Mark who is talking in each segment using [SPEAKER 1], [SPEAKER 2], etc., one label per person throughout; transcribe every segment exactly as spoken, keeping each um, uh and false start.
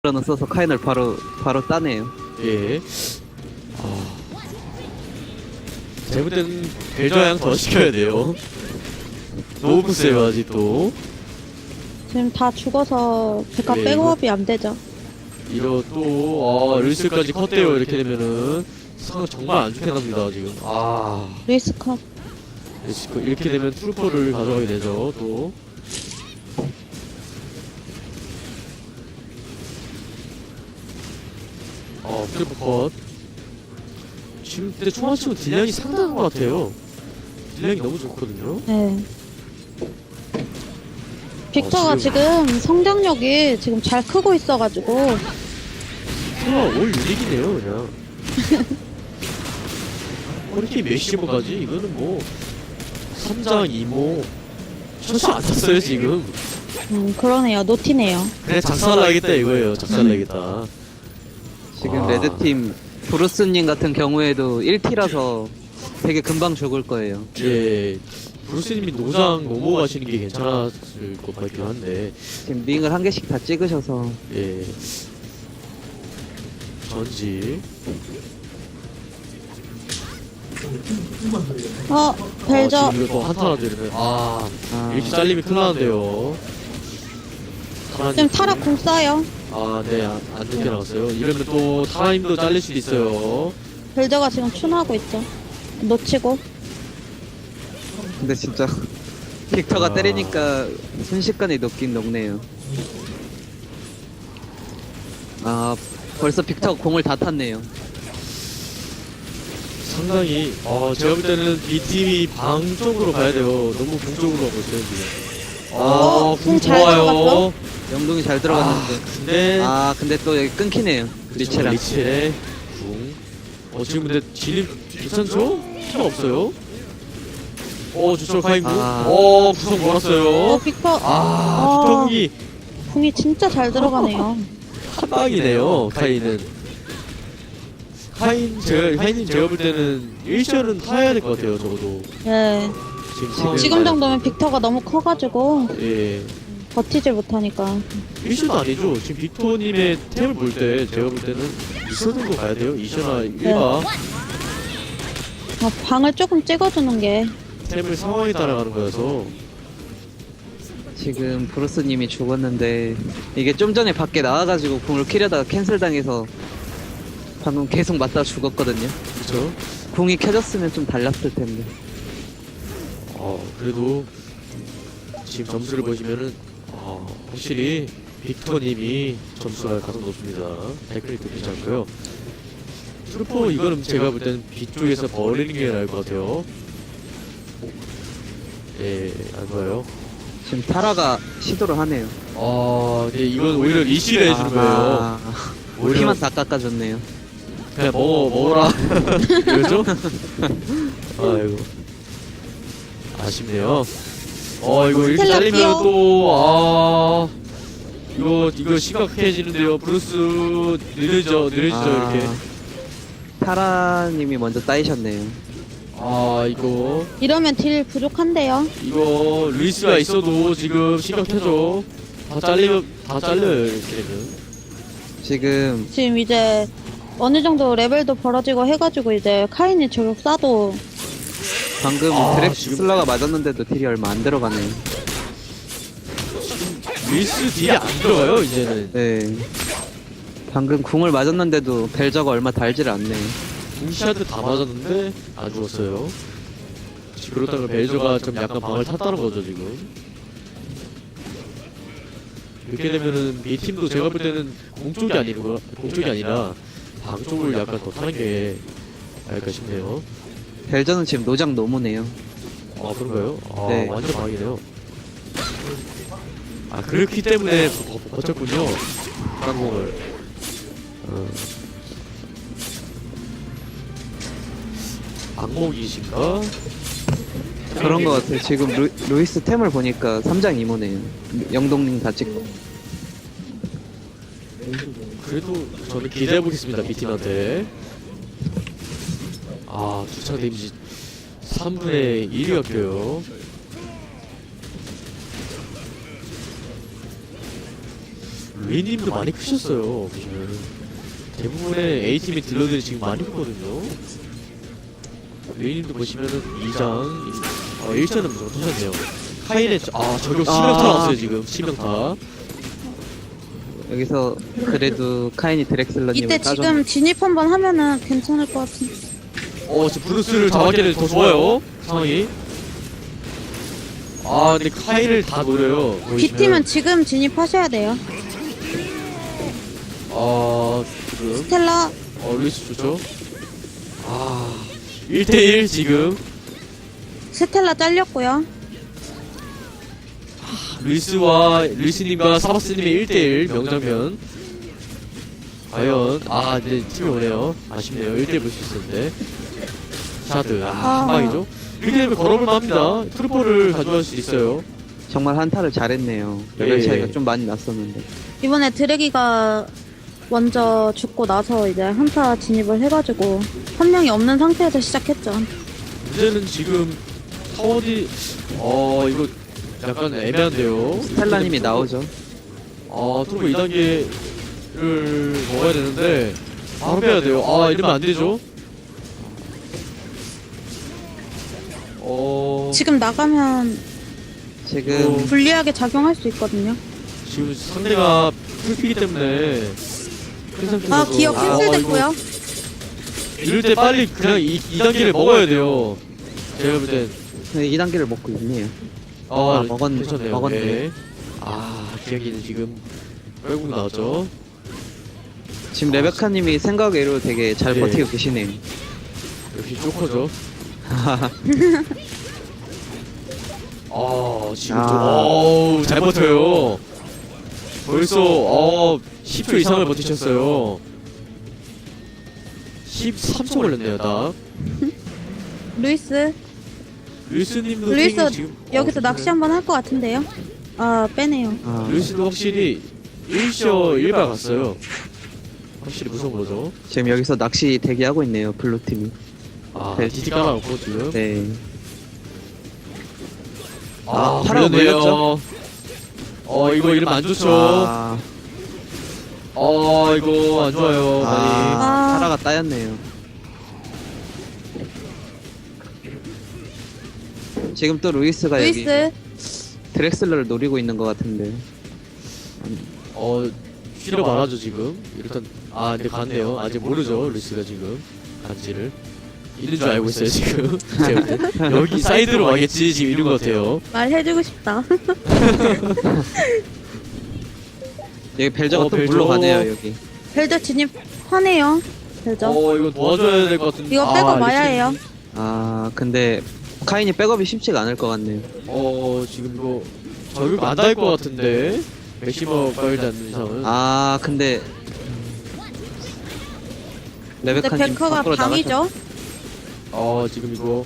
[SPEAKER 1] 는 써서 카인을 바로 바로 따네요.
[SPEAKER 2] 예. 아. 제가 볼 때는 벨저양 더 시켜야 돼요. 너무 세요 아직도.
[SPEAKER 3] 지금 다 죽어서 백합
[SPEAKER 2] 네,
[SPEAKER 3] 백업이 안 되죠.
[SPEAKER 2] 이거 또, 아, 릴스까지 컸대요. 이렇게 되면은. 상황 정말 안 좋게 납니다, 지금. 아.
[SPEAKER 3] 루이스 컷.
[SPEAKER 2] 이렇게 되면 트루퍼를 가져가게 되죠, 또. 어, 트루퍼 컷. 지금 근데 초반치고 딜량이 상당한 것 같아요. 딜량이 너무 좋거든요.
[SPEAKER 3] 네. 빅터가
[SPEAKER 2] 어, 지금-
[SPEAKER 3] 지금 성장력이 지금 잘 크고 있어가지고
[SPEAKER 2] 와, 올 유닉이네요, 그냥. 허리케인 메시모까지? 이거는 뭐, 삼장, 이모. 천수 안 탔어요, 지금.
[SPEAKER 3] 음 그러네요. 노티네요.
[SPEAKER 2] 그래, 작살나겠다, 이거예요. 작살나겠다.
[SPEAKER 1] 지금
[SPEAKER 2] 아.
[SPEAKER 1] 레드팀 브루스님 같은 경우에도 일 티라서 되게 금방 죽을 거예요.
[SPEAKER 2] 예, 브루스님이 노장 넘어가시는 게 괜찮았을 것 같긴 한데,
[SPEAKER 1] 지금 링을 한 개씩 다 찍으셔서
[SPEAKER 2] 예. 전지.
[SPEAKER 3] 어 벨저.
[SPEAKER 2] 아, 지금 이거 또 한타라도 이러면, 아,
[SPEAKER 1] 아,
[SPEAKER 2] 이렇게 잘리면 큰일 나는데요.
[SPEAKER 3] 지금 타락 공 쏴요.
[SPEAKER 2] 아, 네, 안, 안 좋게 나갔어요. 이러면 또 타임도 잘릴 수도 있어요.
[SPEAKER 3] 벨저가 지금 춘하고 있죠. 놓치고.
[SPEAKER 1] 근데 진짜 빅터가
[SPEAKER 2] 아.
[SPEAKER 1] 때리니까 순식간에 녹긴 녹네요. 아, 벌써 빅터가 공을 다 탔네요.
[SPEAKER 2] 상당히, 어, 제가 볼 때는 이 팀이 방 쪽으로 가야 돼요. 너무 공 쪽으로 가고 있어요, 지금. 아,
[SPEAKER 3] 어,
[SPEAKER 2] 공
[SPEAKER 3] 공잘
[SPEAKER 2] 좋아요.
[SPEAKER 3] 들어갔어?
[SPEAKER 1] 영동이 잘 들어갔는데.
[SPEAKER 2] 근데,
[SPEAKER 1] 아, 근데 또 여기 끊기네요. 리체랑.
[SPEAKER 2] 리첼의 궁. 어, 지금 근데 진입 괜찮죠? 필요 없어요. 어, 주철 카인구.
[SPEAKER 1] 아.
[SPEAKER 2] 어, 구성
[SPEAKER 3] 어
[SPEAKER 2] 몰았어요.
[SPEAKER 3] 빅터.
[SPEAKER 2] 아,
[SPEAKER 3] 아.
[SPEAKER 2] 빅터기
[SPEAKER 3] 궁이 진짜 잘 들어가네요.
[SPEAKER 2] 한 방이네요, 카인은. 카인, 제가, 카인님 제가 볼 때는 일 션은 타야 될 것 같아요, 적어도.
[SPEAKER 3] 예.
[SPEAKER 2] 지금,
[SPEAKER 3] 지금 정도면 빅터가 너무 커가지고
[SPEAKER 2] 예.
[SPEAKER 3] 버티질 못하니까.
[SPEAKER 2] 일 션도 아니죠. 지금 빅토님의 템을 볼 때, 제가 볼 때는 이 션 정도 가야 돼요. 이 션아 일 바.
[SPEAKER 3] 어, 방을 조금 찍어주는 게.
[SPEAKER 2] 템을 상황에 따라가는 거여서.
[SPEAKER 1] 지금 브루스님이 죽었는데 이게 좀 전에 밖에 나와가지고 공을 키려다가 캔슬 당해서 방금 계속 맞다 죽었거든요.
[SPEAKER 2] 그쵸?
[SPEAKER 1] 공이 켜졌으면 좀 달랐을 텐데.
[SPEAKER 2] 어, 그래도 지금 점수를 보시면은 어, 확실히 빅터님이 점수가 가장 높습니다. 댓글도 괜찮고요. 트루퍼 이거는 제가 볼 때는 뒤쪽에서 버리는 게 나을 것 같아요. 예, 안 좋아요.
[SPEAKER 1] 지금 타라가 시도를 하네요.
[SPEAKER 2] 아, 네, 이건 오히려 리시를 해주는 거예요.
[SPEAKER 1] 아,
[SPEAKER 2] 오히려
[SPEAKER 1] 피만 다 깎아줬네요.
[SPEAKER 2] 그냥 먹어, 먹어라. 그러죠? 아이고. 아쉽네요. 어, 이거 이렇게
[SPEAKER 3] 스텔라
[SPEAKER 2] 잘리면
[SPEAKER 3] 끼워.
[SPEAKER 2] 또, 아. 이거, 이거 심각해지는데요. 브루스, 느려져, 느려지죠,
[SPEAKER 1] 아,
[SPEAKER 2] 이렇게.
[SPEAKER 1] 타라님이 먼저 따이셨네요.
[SPEAKER 2] 아, 이거.
[SPEAKER 3] 이러면 딜 부족한데요.
[SPEAKER 2] 이거, 루이스가 있어도 지금 심각해져. 다 잘리면, 다 잘려요, 이렇게 되면.
[SPEAKER 1] 지금
[SPEAKER 3] 지금 이제 어느 정도 레벨도 벌어지고 해가지고 이제 카인이 저격 쏴도
[SPEAKER 1] 방금
[SPEAKER 2] 아,
[SPEAKER 1] 드랙
[SPEAKER 2] 지금-
[SPEAKER 1] 슬러가 맞았는데도 딜이 얼마 안 들어가네요.
[SPEAKER 2] 루이스 딜이 안 들어가요, 이제는.
[SPEAKER 1] 네. 방금 궁을 맞았는데도 벨저가 얼마 달지를 않네요.
[SPEAKER 2] 궁시한테 다 맞았는데 안 죽었어요. 지금 그렇다면 벨저가 좀 약간 방을 탔다는 거죠 지금. 이렇게 되면은 이 팀도 제가 볼 때는 공 쪽이 아니고 공 쪽이 아니라 방 쪽을 약간 더 타는 게 나을까 싶네요.
[SPEAKER 1] 벨저는 지금 노장 노무네요.
[SPEAKER 2] 아 그런가요? 아
[SPEAKER 1] 네.
[SPEAKER 2] 완전 방이네요. 아 그렇기 때문에 버- 버- 버텼군요. 항공을. 어. 악몽이신가?
[SPEAKER 1] 그런 것 같아요. 지금 루, 루이스 템을 보니까 삼장 이모네요. 영동님 다 찍고.
[SPEAKER 2] 그래도 저는 기대해보겠습니다, B팀한테. 아, 주차 데미지 삼분의 일이 바뀌어요. 웨이님도 많이 크셨어요. 보시면 대부분의 A팀의 딜러들이 지금 많이 크거든요. 웨이님도 보시면은 이 장, 어, 일 장은 무조건 터졌네요. 카인의, 아, 저격 치명타
[SPEAKER 1] 아.
[SPEAKER 2] 나왔어요, 지금. 치명타.
[SPEAKER 1] 여기서 그래도 카인이 드렉슬러님을
[SPEAKER 3] 이때
[SPEAKER 1] 따줬
[SPEAKER 3] 지금 진입 한번 하면은 괜찮을 것 같은데.
[SPEAKER 2] 어, 지금 브루스를 잡았기에 더 좋아요, 상황이. 아, 근데 카인을 다 노려요. 보이시면.
[SPEAKER 3] B팀은 지금 진입하셔야 돼요.
[SPEAKER 2] 아, 지금.
[SPEAKER 3] 스텔라
[SPEAKER 2] 어, 루이스 좋죠? 아, 일 대일 지금.
[SPEAKER 3] 스텔라 잘렸고요.
[SPEAKER 2] 루이스와, 루이스님과 사바스님의 일 대일 명장면. 과연, 아, 이제 팀이 오네요. 아쉽네요. 일 대일 볼 수 있었는데. 샤드, 아,
[SPEAKER 3] 아.
[SPEAKER 2] 한 방이죠? 일 대일은 걸어볼만 합니다. 트루퍼를 가져갈 수 있어요.
[SPEAKER 1] 정말 한타를 잘했네요. 레벨
[SPEAKER 2] 예.
[SPEAKER 1] 차이가 좀 많이 났었는데.
[SPEAKER 3] 이번에 드래기가 먼저 죽고 나서 이제 한타 진입을 해가지고 한 명이 없는 상태에서 시작했죠.
[SPEAKER 2] 문제는 지금 타워디, 어, 이거 약간 애매한데요.
[SPEAKER 1] 스텔라님이 나오죠.
[SPEAKER 2] 아, 트루퍼 이 단계를 먹어야 되는데, 바로 빼야 돼요. 아, 이러면 안 되죠? 어,
[SPEAKER 3] 지금 나가면
[SPEAKER 1] 지금
[SPEAKER 2] 어.
[SPEAKER 3] 불리하게 작용할 수 있거든요.
[SPEAKER 2] 지금 상대가 풀피기 때문에 큰 상태라서
[SPEAKER 3] 아 기억
[SPEAKER 2] 아,
[SPEAKER 3] 캔슬됐고요.
[SPEAKER 2] 이거 이럴 때 빨리 그냥 이, 이 단계를 먹어야 돼요. 제가 볼 땐.
[SPEAKER 1] 네, 이 단계를 먹고 있네요.
[SPEAKER 2] 아,
[SPEAKER 1] 아, 먹었-
[SPEAKER 2] 괜찮네요.
[SPEAKER 1] 먹었네.
[SPEAKER 2] 네. 아, 기억이는 지금 결국 나왔죠.
[SPEAKER 1] 지금 레베카님이 생각외로 되게 잘
[SPEAKER 2] 예.
[SPEAKER 1] 버티고 계시네요.
[SPEAKER 2] 역시 조커죠. 아, 지금
[SPEAKER 1] 아.
[SPEAKER 2] 좀, 어우, 잘 버텨요. 벌써, 어, 십 초 이상을 버티셨어요. 십삼 초 걸렸네요, 딱.
[SPEAKER 3] 루이스
[SPEAKER 2] 루이스님도
[SPEAKER 3] 루이스
[SPEAKER 2] 탱이 지금,
[SPEAKER 3] 여기서
[SPEAKER 2] 어,
[SPEAKER 3] 낚시 한번 할 것 같은데요. 아 빼네요.
[SPEAKER 1] 아,
[SPEAKER 2] 루이스도 확실히 일쇼 일바 갔어요. 확실히 무서운 거죠.
[SPEAKER 1] 지금 여기서 낚시 대기하고 있네요. 블루팀이.
[SPEAKER 2] 아,
[SPEAKER 1] 네.
[SPEAKER 2] 디디 깔아놓고 지금.
[SPEAKER 1] 네.
[SPEAKER 2] 아,
[SPEAKER 1] 아, 파라가
[SPEAKER 2] 물렸네요.
[SPEAKER 1] 물렸죠?
[SPEAKER 2] 어, 이거 이러면 안 좋죠.
[SPEAKER 1] 아,
[SPEAKER 2] 어, 이거 안 좋아요. 많이.
[SPEAKER 1] 아,
[SPEAKER 3] 아.
[SPEAKER 1] 파라가 따였네요. 지금 또 루이스가 여기
[SPEAKER 3] 루이스
[SPEAKER 1] 드렉슬러를 노리고 있는 것 같은데.
[SPEAKER 2] 어, 필요 많아죠, 지금. 일단, 아, 근데 갔네요. 아직 모르죠, 루이스가 지금. 간지를. 있는 줄 알고 있어요, 지금. 제가 볼 때. 여기 사이드로 와겠지, 지금 이런 것 같아요.
[SPEAKER 3] 말해주고 싶다.
[SPEAKER 1] 여기 벨저가
[SPEAKER 2] 어,
[SPEAKER 1] 또
[SPEAKER 2] 벨저.
[SPEAKER 1] 물러가네요, 여기.
[SPEAKER 3] 벨저 진입하네요. 벨저
[SPEAKER 2] 어, 이거 도와줘야 될 것 같은데.
[SPEAKER 3] 이거
[SPEAKER 2] 아,
[SPEAKER 3] 빼고
[SPEAKER 2] 리스님.
[SPEAKER 3] 마야 해요.
[SPEAKER 1] 아, 근데 카인이 백업이 쉽지가 않을 것 같네요.
[SPEAKER 2] 어, 지금 이거 저격 안 닿을 것 같은데. 맥시머 빨지 않는 이상은.
[SPEAKER 1] 아, 근데
[SPEAKER 3] 근데
[SPEAKER 1] 레베카님
[SPEAKER 3] 벨커가
[SPEAKER 1] 밖으로 나가셨...
[SPEAKER 3] 방이죠.
[SPEAKER 2] 어, 지금 이거.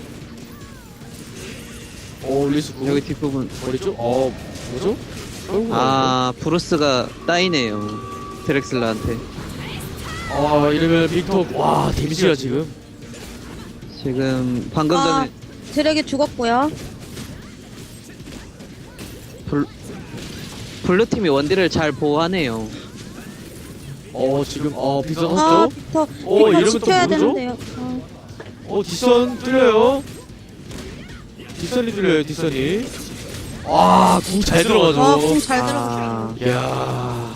[SPEAKER 2] 어, 리스 구.
[SPEAKER 1] 여기 뒷부분.
[SPEAKER 2] 어디죠? 어, 뭐죠? 결국
[SPEAKER 1] 아, 브루스가 따이네요. 드렉슬러한테.
[SPEAKER 2] 아, 이러면 빅터, 와, 데미지가 지금.
[SPEAKER 1] 지금 방금
[SPEAKER 3] 아
[SPEAKER 1] 전에
[SPEAKER 3] 드래기 죽었고요.
[SPEAKER 1] 블... 블루팀이 원딜을 잘 보호하네요.
[SPEAKER 2] 어, 지금, 어, 빅터
[SPEAKER 3] 아
[SPEAKER 2] 샀죠?
[SPEAKER 3] 빅터
[SPEAKER 2] 어,
[SPEAKER 3] 빅터
[SPEAKER 2] 이러면 또
[SPEAKER 3] 지켜야
[SPEAKER 2] 모르죠?
[SPEAKER 3] 되는데요. 어.
[SPEAKER 2] 어, 뒷선 뚫려요. 뒷선이 뚫려요, 뒷선이. 아, 궁 잘 들어가죠.
[SPEAKER 3] 와, 궁 잘 들어갔어.
[SPEAKER 1] 아,
[SPEAKER 2] 이야.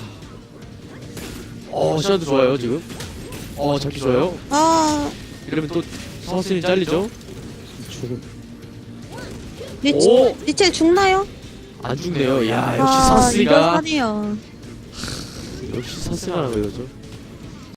[SPEAKER 2] 어, 샷도 좋아요, 지금. 어, 잡기 좋아요.
[SPEAKER 3] 아
[SPEAKER 2] 이러면 또 서스님 잘리죠?
[SPEAKER 1] 죽음.
[SPEAKER 3] 리치
[SPEAKER 2] 오!
[SPEAKER 3] 리첼 죽나요?
[SPEAKER 2] 안 죽네요. 야, 역시
[SPEAKER 3] 아 이거
[SPEAKER 2] 서스가.
[SPEAKER 3] 사네요.
[SPEAKER 2] 역시 서스가 하는 거죠.